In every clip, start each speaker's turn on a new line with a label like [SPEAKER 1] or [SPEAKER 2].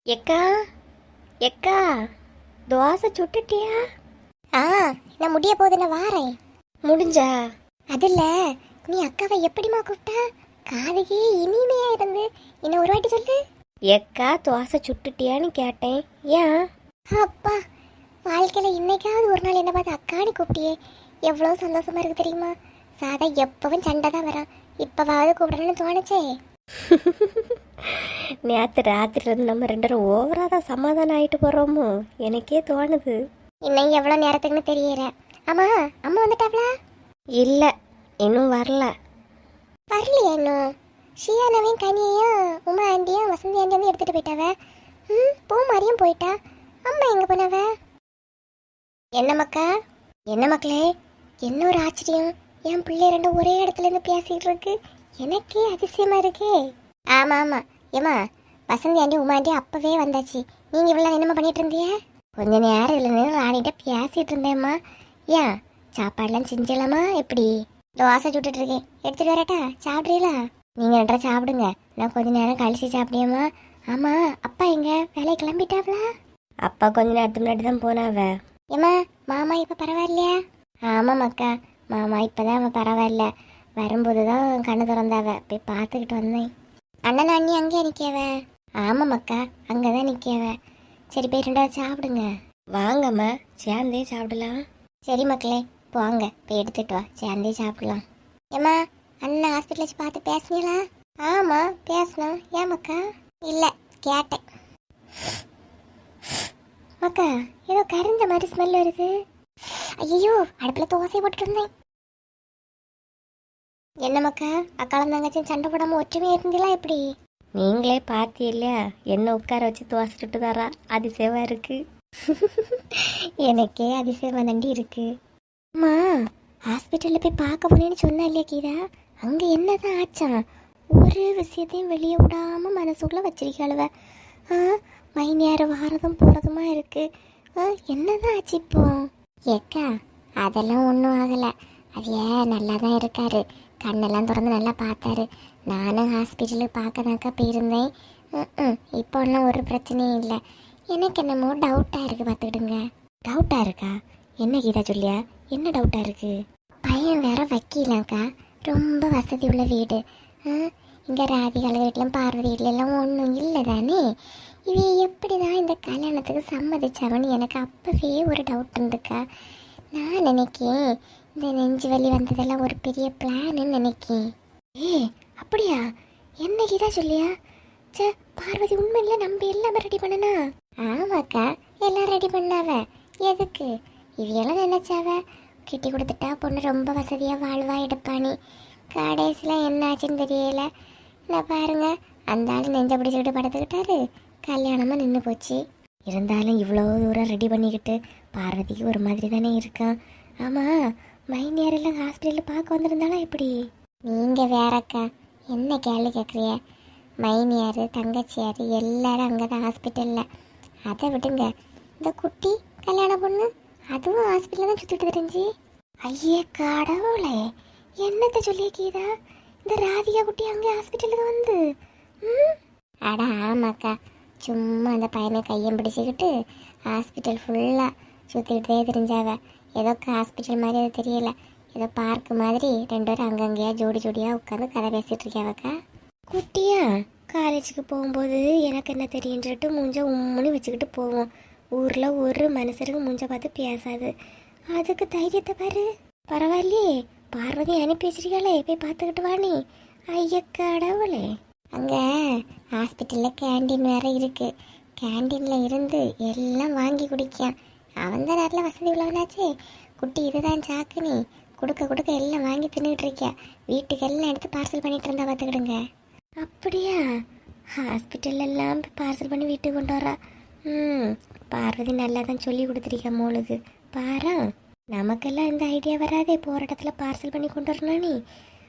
[SPEAKER 1] எக்கா எக்கா தோசை சுட்டுட்டியா?
[SPEAKER 2] ஆ, நான் முடிய போகுது, நான் வாரேன்.
[SPEAKER 1] முடிஞ்சா?
[SPEAKER 2] அதில்ல நீ அக்காவை எப்படிமா கூப்பிட்டா? காதுகே இனிமையா இருந்து இன்னும் ஒரு வாட்டி சொல்லு.
[SPEAKER 1] எக்கா தோசை சுட்டுட்டியான்னு கேட்டேன். ஏன்?
[SPEAKER 2] அப்பா, வாழ்க்கையில இன்னைக்காவது ஒரு நாள் என்ன பார்த்து அக்கான்னு கூப்பிட்டியே, எவ்வளோ சந்தோஷமா இருக்கு தெரியுமா? சாதா எப்பவும் சண்டை தான் வரான், இப்பவாவது கூப்பிடணும்னு தோணுச்சே.
[SPEAKER 1] நேற்று ராத்திரி நம்ம ரெண்டு பேரும் ஓவராக தான் சமாதானம் ஆகிட்டு போகிறோமோ எனக்கே தோணுது.
[SPEAKER 2] இன்னும் எவ்வளோ நேரத்துக்குன்னு தெரியல. ஆமா, அம்மா வந்துட்டாங்களா?
[SPEAKER 1] இல்லை, இன்னும் வரல.
[SPEAKER 2] வரலையா இன்னும்? ஷியானவையும் கனியையும் உமா ஆண்டியும் வசந்தி ஆண்டி வந்து எடுத்துட்டு போயிட்டாவ. பூ மாதிரியும் போயிட்டா. அம்மா எங்க போனவ? என்ன மக்கா? என்ன மக்களே, என்ன ஒரு ஆச்சரியம்! என் பிள்ளை ரெண்டும் ஒரே இடத்துல இருந்து பேசிட்டு இருக்கு. எனக்கே அதிசயமா இருக்கே. ஆமா ஆமா, ஏமா வசந்தி ஆண்டி உமா ஆண்டி அப்பவே வந்தாச்சு. நீங்க இவ்வளவு என்னமா பண்ணிட்டு இருந்தீங்க? கொஞ்ச நேரம் இதுல நின்று ராணிகிட்ட பேசிட்டு இருந்தேம்மா. ஏன் சாப்பாடுலாம் செஞ்சலாமா? எப்படி? தோசை சுட்டுட்டு இருக்கேன், எடுத்துட்டு வரட்டா? சாப்பிட்றீங்களா? நீங்க ரெண்டரை சாப்பிடுங்க, நான் கொஞ்ச நேரம் கழிச்சு சாப்பிடியம்மா. ஆமா, அப்பா எங்க? வேலையை கிளம்பிட்டாவளா?
[SPEAKER 1] அப்பா கொஞ்ச நேரத்துக்கு முன்னாடி தான் போனாவ.
[SPEAKER 2] ஏமா மாமா இப்ப பரவாயில்லையா? ஆமா மக்கா, மாமா இப்பதான் அவன் பரவாயில்ல. வரும்போது தான் கண்ணு திறந்தாவ, போய் பார்த்துக்கிட்டு வந்தேன். அண்ணன் அண்ணி அங்கே நிற்கவ? ஆமா மக்கா, அங்கதான் நிற்கவ. சரி, போய் ரெண்டாவது சாப்பிடுங்க.
[SPEAKER 1] வாங்கம்மா, சேர்ந்தே சாப்பிடலாம்.
[SPEAKER 2] சரி மக்களே, போங்க, போய் எடுத்துட்டு வா, சேர்ந்தே சாப்பிடலாம். ஏம்மா, அண்ணன் ஹாஸ்பிட்டல் வச்சு பார்த்து பேசுனீங்களா? ஆமா பேசணும். ஏன் மக்கா? இல்லை, கேட்டேன். மக்கா, ஏதோ கரிஞ்ச மாதிரி ஸ்மெல் வருது. ஐயோ, அடுப்பில் தோசை போட்டுட்டு இருந்தேன். என்ன மக்கா, அக்காலம் தங்கச்சியும் சண்டை போடாமல் ஒற்றுமையாக இருந்தீங்களா எப்படி?
[SPEAKER 1] நீங்களே பார்த்தி இல்லையா, என்ன உட்கார வச்சு தோசை சுட்டு தரா. அதிசயமா இருக்கு.
[SPEAKER 2] எனக்கே அதிசயமா தாண்டி இருக்கு. அம்மா, ஹாஸ்பிட்டலில் போய் பார்க்க போனேன்னு சொன்னா இல்லையா கீதா? அங்கே என்னதான் ஆச்சான்? ஒரு விஷயத்தையும் வெளியே விடாம மனசுக்குள்ள வச்சிருக்காளுவ. மைனியார வாரதும் போகிறதுமா இருக்கு. என்னதான் ஆச்சு இப்போ? ஏக்கா, அதெல்லாம் ஒன்றும் ஆகலை. அது ஏன் நல்லா தான் இருக்காரு, கண்ணெல்லாம் திறந்து நல்லா பார்த்தாரு. நானும் ஹாஸ்பிட்டலுக்கு பார்க்கதாக்கா போயிருந்தேன். இப்போ ஒன்றும் ஒரு பிரச்சனையும் இல்லை. எனக்கு என்னமோ டவுட்டாக இருக்குது, பார்த்துக்கிடுங்க.
[SPEAKER 1] டவுட்டாக இருக்கா? என்ன கீதா சொல்லியா? என்ன டவுட்டாக இருக்கு?
[SPEAKER 2] பையன் வேற வக்கீலாக்கா, ரொம்ப வசதி உள்ள வீடு. இங்கே ராதிகால வீட்டிலும் பார்வதி வீட்டிலெல்லாம் ஒன்றும் இல்லை தானே. இவ எப்படி தான் இந்த கல்யாணத்துக்கு சம்மதிச்சாவன்னு எனக்கு அப்போவே ஒரு டவுட் இருந்துக்கா. நான் நினைக்கேன் இந்த நெஞ்சு வலி வந்ததெல்லாம் ஒரு பெரிய பிளான்னு நினைக்கேன்.
[SPEAKER 1] அப்படியா? என்னைக்கு தான் சொல்லியா? சே, பார்வதி உண்மையில நம்ம எல்லாமே ரெடி பண்ணனா?
[SPEAKER 2] ஆமாக்கா, எல்லாம் ரெடி பண்ணாவ. எதுக்கு? இவையெல்லாம் நினைச்சாவ கிட்டி கொடுத்துட்டா பொண்ணு ரொம்ப வசதியாக வாழ்வா எடுப்பானி. கடைசியில் என்ன ஆச்சுன்னு தெரியல. நான் பாருங்க, அந்த ஆள் நெஞ்ச பிடிச்சிக்கிட்டு படுத்துக்கிட்டாரு, கல்யாணமாக நின்று போச்சு.
[SPEAKER 1] இருந்தாலும் இவ்வளோ தூரம் ரெடி பண்ணிக்கிட்டு பார்வதிக்கு ஒரு மாதிரி தானே இருக்கான். ஆமாம், மைனியாரெல்லாம் ஹாஸ்பிட்டலில் பார்க்க வந்திருந்தாலும் எப்படி?
[SPEAKER 2] நீங்கள் வேறக்கா, என்ன கேள்வி கேட்குறிய? மைனியார் தங்கச்சியார் எல்லாரும் அங்கே தான் ஹாஸ்பிட்டலில். அதை விடுங்க, இந்த குட்டி கல்யாண பொண்ணு அதுவும் ஹாஸ்பிட்டலில் தான் சுற்றிட்டு தெரிஞ்சு.
[SPEAKER 1] ஐயே கடவுளே, என்னத்தை சொல்லிய கீதா? இந்த ராதிகா குட்டி அங்கே ஹாஸ்பிட்டலுக்கு வந்து?
[SPEAKER 2] அடா ஆமாக்கா, சும்மா அந்த பையனை கையம் பிடிச்சிக்கிட்டு ஹாஸ்பிட்டல் ஃபுல்லாக சுற்றிக்கிட்டே தெரிஞ்சாவ. ஏதோ ஹாஸ்பிட்டல் மாதிரி அது தெரியல, ஏதோ பார்க்கு மாதிரி ரெண்டு பேரும் அங்கங்கேயா ஜோடி ஜோடியாக உட்காந்து கதை பேசிகிட்டு இருக்கியாவக்கா.
[SPEAKER 1] குட்டியா காலேஜுக்கு போகும்போது எனக்கு என்ன தெரியுன்னு சொல்லிட்டு மூஞ்ச உம்முன்னு வச்சுக்கிட்டு போவோம். ஊரில் ஒரு மனுஷருக்கு மூஞ்ச பார்த்து பேசாது. அதுக்கு தைரியத்தை பாரு. பரவாயில்லையே, பார்வதி அனுப்பி வச்சிருக்காளே, போய் பார்த்துக்கிட்டு வாணி. ஐய கடவுளே.
[SPEAKER 2] அங்கே ஹாஸ்பிட்டலில் கேண்டீன் வேறு இருக்குது. கேண்டீனில் இருந்து எல்லாம் வாங்கி குடிக்கான். அவன் தான் நேரில் வசதி உள்ளவனாச்சே. குட்டி இதுதான் சாக்குனி, கொடுக்க கொடுக்க எல்லாம் வாங்கி தின்னுக்கிட்டு இருக்கியா. வீட்டுக்கு எல்லாம் எடுத்து பார்சல் பண்ணிட்டு இருந்தா பார்த்துக்கிடுங்க.
[SPEAKER 1] அப்படியா? ஹாஸ்பிட்டல்லாம் பார்சல் பண்ணி வீட்டுக்கு கொண்டு வரா. பார்வதி நல்லா தான் சொல்லி கொடுத்துருக்கா மோளுக்கு. பாரா, நமக்கெல்லாம் இந்த ஐடியா வராதே, போகிற இடத்துல பார்சல் பண்ணி கொண்டு வரணும் நீ.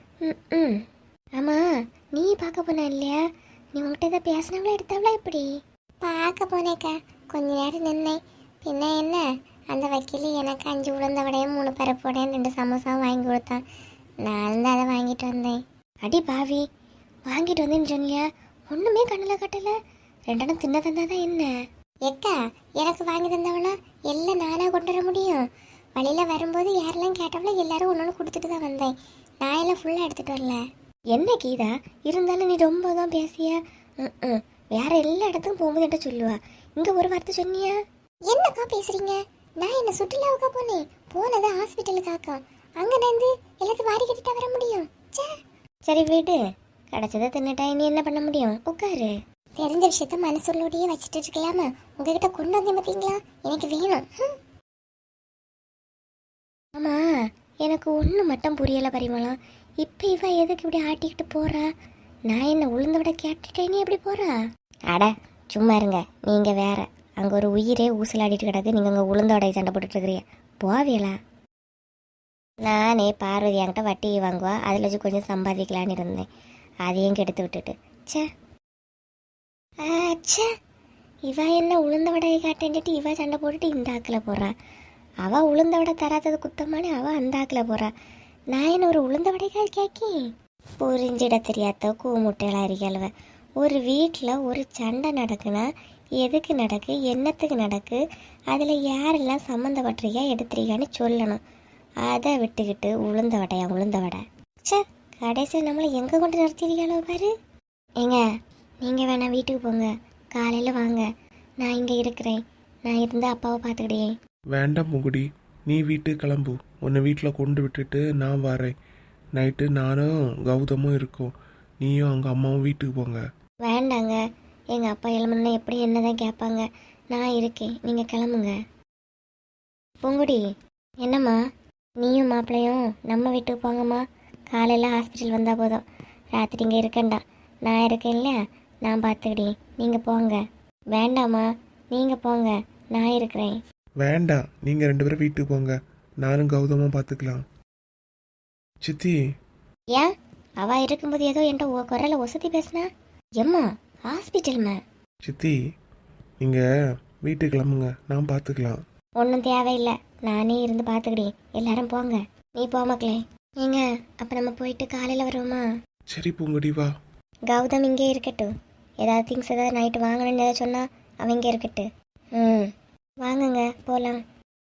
[SPEAKER 1] ஆமாம், நீ பார்க்க போனா இல்லையா? நீ உங்கள்கிட்ட எதாவது பேசினவளா எடுத்தாவளா எப்படி?
[SPEAKER 2] பார்க்க போனேக்கா, கொஞ்ச நேரம் நின்னேன். பின்ன என்ன, அந்த வக்கீல் எனக்கு 5 உளுந்த வடையும் 3 பருப்புடையும் 2 சமோசாவும் வாங்கி கொடுத்தான். நான் தான் அதை வாங்கிட்டு வந்தேன்.
[SPEAKER 1] அடி பாவி, வாங்கிட்டு வந்தேன்னு சொன்னியா? ஒன்றுமே கண்ணில் கட்டலை. ரெண்டெண்ணம் தின்ன தந்தாதான் என்ன?
[SPEAKER 2] எக்கா எனக்கு வாங்கி தந்தவளோ எல்லாம் நானா கொண்டு வர முடியும்? வழியில வரும்போது யாரெல்லாம் கேட்டவளோ எல்லாரும் ஒன்று கொடுத்துட்டு தான் வந்தேன். நான் எல்லாம் ஃபுல்லாக எடுத்துட்டு வரல.
[SPEAKER 1] என்ன கீதா, இருந்தாலும் நீ ரொம்ப தான் பேசிய. வேற எல்லா இடத்துக்கும் போகும்போது என்கிட்ட சொல்லுவா, இங்க ஒரு வார்த்தை சொன்னியா?
[SPEAKER 2] என்னக்கா பேசுறீங்க? நான் என்ன சுற்றுலாவுக்கா போனேன்? போனது ஹாஸ்பிட்டலுக்காக்கா. அங்க இருந்து எல்லாத்தையும் வாரி கட்டிட்டா வர முடியும்? ச்சே.
[SPEAKER 1] சரி வீடு, கிடைச்சதை தின்னுட்டா நீ என்ன பண்ண முடியும்? உட்காரு.
[SPEAKER 2] தெரிஞ்ச விஷயத்த மனசுள்ளோடையே வச்சுட்டு இருக்கலாமா? உங்ககிட்ட கொண்டு வந்தேன் பார்த்தீங்களா? எனக்கு வேணும்.
[SPEAKER 1] ஆமா, எனக்கு ஒண்ணு மட்டும் புரியல பரிமளம். இப்ப இவ எதுக்கு இப்படி ஆட்டிக்கிட்டு போறா? நான் என்ன உளுந்த விட கேட்டுட்டேனே எப்படி போறா? அட சும்மா இருங்க, நீங்க வேற. அங்க ஒரு உயிரே ஊசலாடிட்டு கிடக்கு, நீங்க அங்க உளுந்த வடையை சண்டை போட்டுட்டு இருக்கிறீங்க. போவியலா? நானே பார்வதி என்கிட்ட வட்டி வாங்குவா, அதில் வச்சு கொஞ்சம் சம்பாதிக்கலான்னு இருந்தேன். அதையும் கெடுத்து விட்டுட்டு ச்சே. ச்சே, இவ என்ன உளுந்த வடையை காட்டேன்ட்டு இவ சண்டை போட்டுட்டு இந்த ஆக்கில் போடுறா. அவள் உளுந்த வடை தராதது குத்தமானே அவள் அந்த ஆக்கில் போடுறா. நான் என்ன ஒரு உளுந்த வடைக்காய் கேட்கி? புரிஞ்சிட தெரியாத கூமுட்டையெல்லாம் இருக்கல்வ. ஒரு வீட்டில் ஒரு சண்டை நடக்குன்னா எதுக்கு நடக்கு, என்னத்துக்கு நடக்கு, அதில் யாரெல்லாம் சம்மந்தப்பட்டிருக்கா எடுத்துருக்கான்னு சொல்லணும். அதை விட்டுக்கிட்டு உளுந்த வடையா உளுந்த வடை. சே, கடைசியில் நம்மளை எங்கே கொண்டு நிறுத்திருக்காளோ பாரு. ஏங்க, நீங்கள் வேணா வீட்டுக்கு போங்க, காலையில் வாங்க, நான் இங்கே இருக்கிறேன். நான் இருந்து அப்பாவை பார்த்துக்கிட்டேன்.
[SPEAKER 3] வேண்டாம் முகுடி, நீ வீட்டுக்கு கிளம்பு. உன்னை வீட்டில் கொண்டு விட்டுட்டு நான் வரேன். நைட்டு நானும் கௌதமும் இருக்கோம். நீயும் அங்கே அம்மாவும் வீட்டுக்கு போங்க.
[SPEAKER 1] வேண்டாங்க, எங்கள் அப்பா எழுமன்னா எப்படி என்ன தான் கேட்பாங்க. நான் இருக்கேன், நீங்கள் கிளம்புங்க. பூங்குடி, என்னம்மா? நீயும் மாப்பிள்ளையும் நம்ம வீட்டுக்கு போங்கம்மா. காலையில் ஹாஸ்பிட்டல் வந்தால் போதும், ராத்திரி இங்கே இருக்கேன்டா. நான் இருக்கேன் இல்லையா, நான் பார்த்துக்கிட்டேன். நீங்கள் போங்க. வேண்டாம்மா, நீங்கள் போங்க, நான் இருக்கிறேன்.
[SPEAKER 3] வேண்டாம், நீங்கள் 2 பேரும் வீட்டுக்கு போங்க. நானும் கௌதமும் பார்த்துக்கலாம். சித்தி,
[SPEAKER 1] ஏன் அவள் இருக்கும்போது ஏதோ என்கிட்ட குரலை ஒசத்தி பேசினா? எம்மா ஹாஸ்பிட்டல்மா?
[SPEAKER 3] சித்தி நீங்கள் வீட்டுக்கு கிளம்புங்க, நான் பார்த்துக்கலாம்.
[SPEAKER 1] ஒன்றும் தேவையில்லை, நானே இருந்து பார்த்துக்கிட்டேன். எல்லாரும் போங்க, நீ போ மக்களே. ஏங்க, அப்போ நம்ம போயிட்டு காலையில் வருவோமா?
[SPEAKER 3] சரி பூங்குடி, வா.
[SPEAKER 1] கௌதம் இங்கே இருக்கட்டும். ஏதாவது திங்ஸ் ஏதாவது நைட்டு வாங்கணும்னு ஏதாவது சொன்னால் அவன் இங்கே இருக்கட்டு. வாங்குங்க, போகலாம்.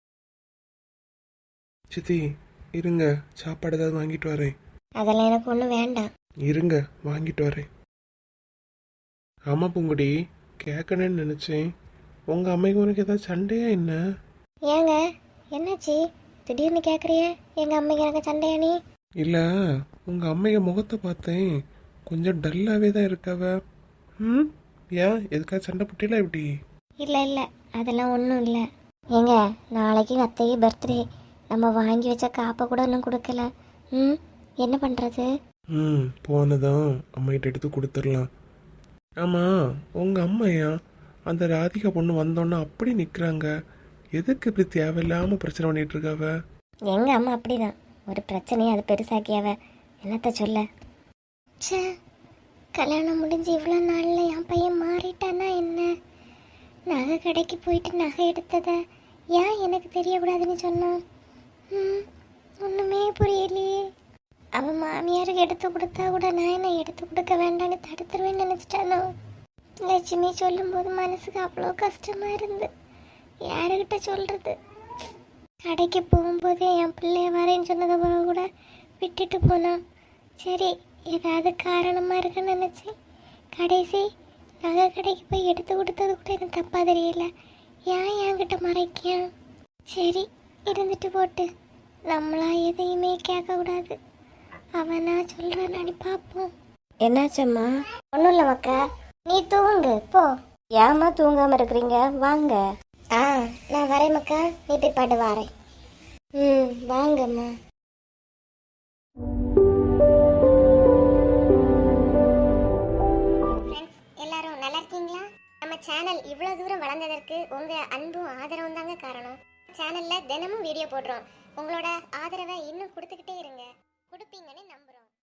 [SPEAKER 3] சித்தி இருங்க, சாப்பாடு ஏதாவது வாங்கிட்டு வரேன்.
[SPEAKER 1] அதெல்லாம் எனக்கு ஒன்றும் வேண்டாம்.
[SPEAKER 3] இருங்க, வாங்கிட்டு வரேன். ஆமாம் பூங்குடி, கேட்கணுன்னு நினச்சேன். உங்கள் அம்மைக்கு உனக்கு ஏதாவது சண்டையா என்ன?
[SPEAKER 1] ஏங்க, என்னாச்சு திடீர்னு கேட்குறிய? எங்கள் அம்மைக்கு எனக்கு சண்டையா நீ?
[SPEAKER 3] இல்லை, உங்கள் அம்மைய முகத்தை பார்த்தேன், கொஞ்சம் டல்லாகவே தான் இருக்காவ. ஏன் எதுக்காக சண்டை போட்டில எப்படி?
[SPEAKER 1] இல்லை இல்லை, அதெல்லாம் ஒன்றும் இல்லை. ஏங்க, நாளைக்கு அத்தையே பர்த்டே. நம்ம வாங்கி வச்ச காப்பை கூட இன்னும் கொடுக்கல. என்ன பண்ணுறது?
[SPEAKER 3] போனதான் அம்மைகிட்ட எடுத்து கொடுத்துடலாம். ஆமாம், உங்கள் அம்மையா அந்த ராதிகா பொண்ணு வந்தோன்னா அப்படி நிற்கிறாங்க. எதுக்கு இப்படி தேவையில்லாமல் பிரச்சனை பண்ணிட்டு இருக்காவ?
[SPEAKER 1] எங்கள் அம்மா அப்படிதான், ஒரு பிரச்சனையை அது பெருசாக்கியாவ. என்னத்த சொல்ல? ச்சே, கல்யாணம் முடிஞ்சு இவ்வளோ நாளில் என் பையன் மாறிட்டானா என்ன? நகை கடைக்கு போயிட்டு நகை எடுத்ததை ஏன் எனக்கு தெரியக்கூடாதுன்னு சொன்னான்? ஒன்றுமே புரியலையே. அவன் மாமியாருக்கு எடுத்து கொடுத்தா கூட நான் என்ன எடுத்து கொடுக்க வேண்டான்னு தடுத்துருவேன்னு நினச்சிட்டானோ? லட்சுமி சொல்லும்போது மனசுக்கு அவ்வளோ கஷ்டமாக இருந்து யாருக்கிட்ட சொல்கிறது? கடைக்கு போகும்போதே என் பிள்ளைய வரேன்னு சொன்னதை பிறகு கூட விட்டுட்டு போனான். சரி, ஏதாவது காரணமாக இருக்குன்னு நினச்சேன். கடைசி நகை கடைக்கு போய் எடுத்து கொடுத்தது கூட எனக்கு தப்பாக தெரியல. ஏன் என்கிட்ட மறைக்கான்? சரி, இருந்துட்டு போட்டு, நம்மளா எதையுமே கேட்கக்கூடாது. அவனா சொல்கிறான்னு பார்ப்போம். என்னாச்சம்மா? ஒன்றும் இல்லை மக்கா, நீ தூங்கு போ. ஏமா தூங்காமல் இருக்கிறீங்க? வாங்க. நான் வரேன் மக்கா, நீ போய் பாட்டு வரேன். வாங்கம்மா.
[SPEAKER 2] எல்லாரும் நல்லா இருக்கீங்களா? நம்ம சேனல் இவ்வளோ தூரம் வளர்ந்ததற்கு உங்கள் அன்பும் ஆதரவும் தாங்க காரணம். சேனலில் தினமும் வீடியோ போடுறோம். உங்களோட ஆதரவை